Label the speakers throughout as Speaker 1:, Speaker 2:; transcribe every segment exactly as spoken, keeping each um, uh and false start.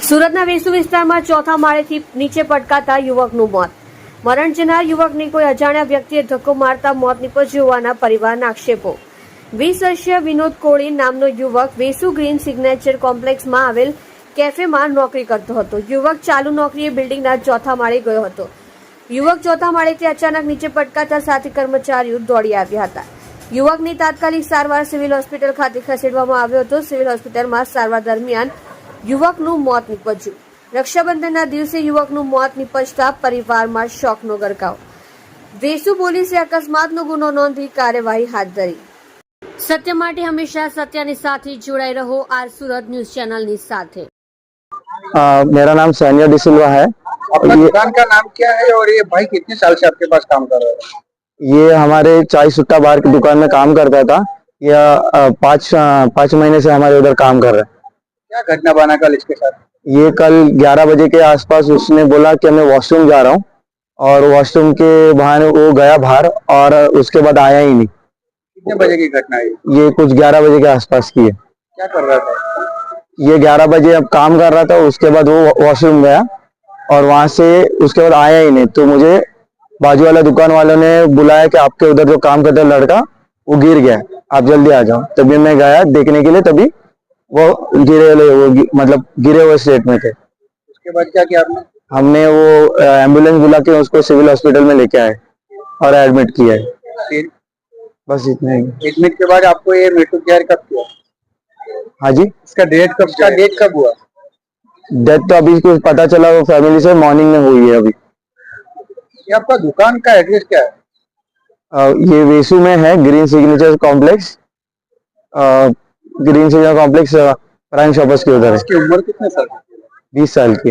Speaker 1: સુરતના વેસુ વિસ્તારમાં ચોથા માળેથી નીચે પટકાતા યુવકનું મોત. મરણ જનાર યુવકને કોઈ અજાણ્યા વ્યક્તિએ ધક્કો મારતા મોત નીપજ્યું હોવાના પરિવારના આક્ષેપો. વીસ વર્ષીય વિનોદ કોળી નામનો યુવક વેસુ ગ્રીન સિગ્નેચર કોમ્પ્લેક્સમાં આવેલ કેફેમાં નોકરી કરતો હતો. યુવક ચાલુ નોકરીએ બિલ્ડિંગના ચોથા માળે ગયો હતો. યુવક ચોથા માળેથી અચાનક નીચે પટકાતા સાથી કર્મચારીઓ દોડી આવ્યા હતા. યુવકની તાત્કાલિક સારવાર સિવિલ હોસ્પિટલ ખાતે ખસેડવામાં આવ્યો હતો. સિવિલ હોસ્પિટલમાં સારવાર દરમિયાન યુવકનું મોત નીપજ્યું. રક્ષાબંધનના દિવસે યુવકનું મોત નીપજતા પરિવારમાં શોકનો ગરકાવ. વેસુ પોલીસે અકસ્માતનો ગુનો નોંધી કાર્યવાહી હાથ ધરી. સત્ય માટે હંમેશા સત્યની સાથે જોડાઈ રહો. આર सुरत न्यूज चैनल ની સાથે.
Speaker 2: आ, मेरा नाम सैनिया डिसिल्वा है।
Speaker 3: आपका दुकान का नाम क्या है और ये भाई कितने साल से आपके पास काम कर रहा है?
Speaker 2: ये हमारे चाय सुट्टा बार की दुकान में काम करता था। ये पाँच पाँच महीने से हमारे उधर काम कर रहा है।
Speaker 3: क्या घटना बना कल इसके साथ?
Speaker 2: ये कल ग्यारह बजे के आसपास उसने बोला कि मैं वॉशरूम जा रहा हूँ और वॉशरूम के बहाने वो गया बाहर और उसके बाद आया ही नहीं।
Speaker 3: कितने बजे की घटना है?
Speaker 2: ये कुछ ग्यारह बजे के आसपास की है।
Speaker 3: क्या कर रहा था?
Speaker 2: ये ग्यारह बजे अब काम कर रहा था, उसके बाद वो वॉशरूम गया और वहां से उसके बाद आया ही नहीं। तो मुझे बाजू वाला दुकान वालों ने बुलाया कि आपके उधर जो काम करता है लड़का वो गिर गया, आप जल्दी आ जाओ। तभी मैं गया देखने के लिए, तभी वो गिरे वो गि, मतलब गिरे हुए स्टेट में थे।
Speaker 3: उसके बाद क्या किया आपने?
Speaker 2: हमने वो एम्बुलेंस बुला के उसको सिविल हॉस्पिटल में लेके आए और एडमिट किया है।
Speaker 3: फिर
Speaker 2: बस इतना ही।
Speaker 3: एडमिट के बाद आपको ये मृत्यु जाहिर कब किया?
Speaker 2: हाँ जी,
Speaker 3: इसका डेट कब इसका डेट कब हुआ?
Speaker 2: डेथ तो अभी कुछ पता चला, वो फैमिली से मॉर्निंग में हुई है। अभी
Speaker 3: ये आपका दुकान का एड्रेस क्या है?
Speaker 2: आ, ये वेसू में है, green signature complex. Green signature complex prime shoppers के उधर है।
Speaker 3: इसकी उम्र कितने साल की?
Speaker 2: बीस साल की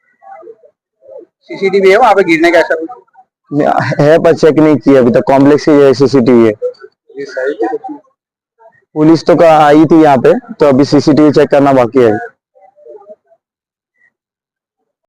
Speaker 3: सीसीटीवी है वहाँ पे गिरने का? ऐसा कुछ
Speaker 2: है पर चेक नहीं किया अभी तक। कॉम्प्लेक्स की सीसीटीवी है।
Speaker 3: ये सारी चीजें-
Speaker 2: पुलिस तो का आई थी यहाँ पे, तो अभी सीसीटीवी चेक करना बाकी है।